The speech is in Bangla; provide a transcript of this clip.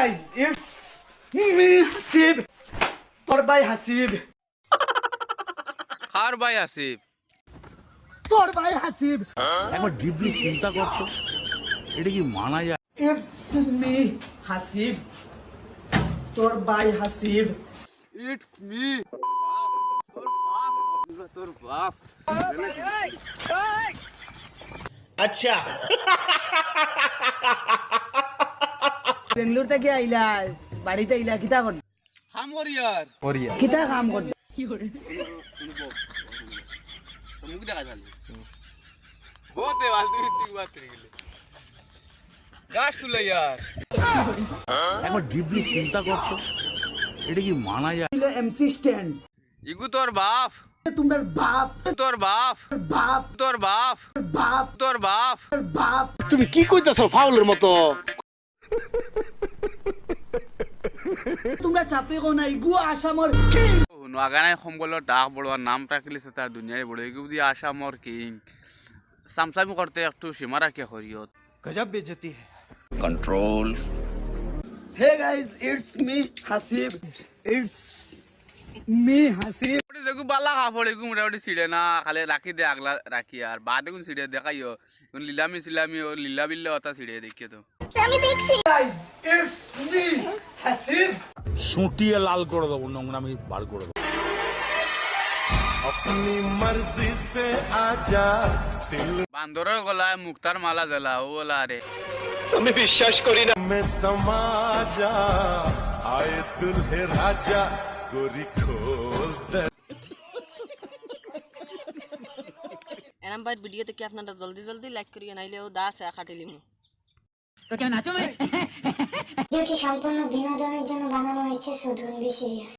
guys, it's me, Hasib. তোর ভাই হাসিব। কার ভাই আসিফ? তোর ভাই হাসিব। একবার ডিপলি চিন্তা করতো এটা কি মানা যায়? It's me, Hasib. তোর ভাই হাসিব। It's me. তোর বাপ। আচ্ছা। বেঙ্গলোর থেকে আইলা, বাড়িতে আইলা কিতা কর? হামর ইয়ার। কিতা কাম কর? মুখ দেখা যালি। বহুত দেওয়াল তুই ঠিক বাত করে গেলি। গাছ তুলে ইয়ার। একবার ডিপলি চিন্তা করতো এটা কি মানা যায়? MC stand. ইগু তোর বাপ। তোমার বাপ, তোর বাপ। বাপ, তোর বাপ। বাপ, তোর বাপ। বাপ। তুমি কি কইতাছো ফাউলের মতো? তোমরা চাপে কো নাই গো আসামর কিং। নোয়াগানায় সম্বলৰ ডাক বড়োয়ার নাম রাখিলিছে তার দুনিয়ায় বড় এগুলো দিয়ে আসামর কিং সামসামি করতে একটু সীমা রাখে হরিয়ত গজব বেজতি है। Control. Hey guys, it's me, Hasib. It's me, Hasib. দেখু বালা কাপড় এগু মোটামুটি ছিঁড়ে না খালি রাখি দে আগলা রাখি আর বাদ এগুন ছিঁড়ে দেখাইও লিলামি সিলামি ও লীলা বিল্লা অতা ছিঁড়ে দেখিয়ে তো Guys, it's me, Hasib. সুটিয়ে লাল করে দেবো, নোংরামি বার করে দেবো। বান্দরের গলায় মুক্তার মালা জ্বালা ও ওলা রে এরম ভাই ভিডিও থেকে আপনারা জলদি জলদি লাইক করিয়ে নাইলে ও দাস খাটিলি মু ভিডিওটি সম্পূর্ণ বিনোদনের জন্য বানানো হয়েছে, সো ডোন্ট বি সিরিয়াস।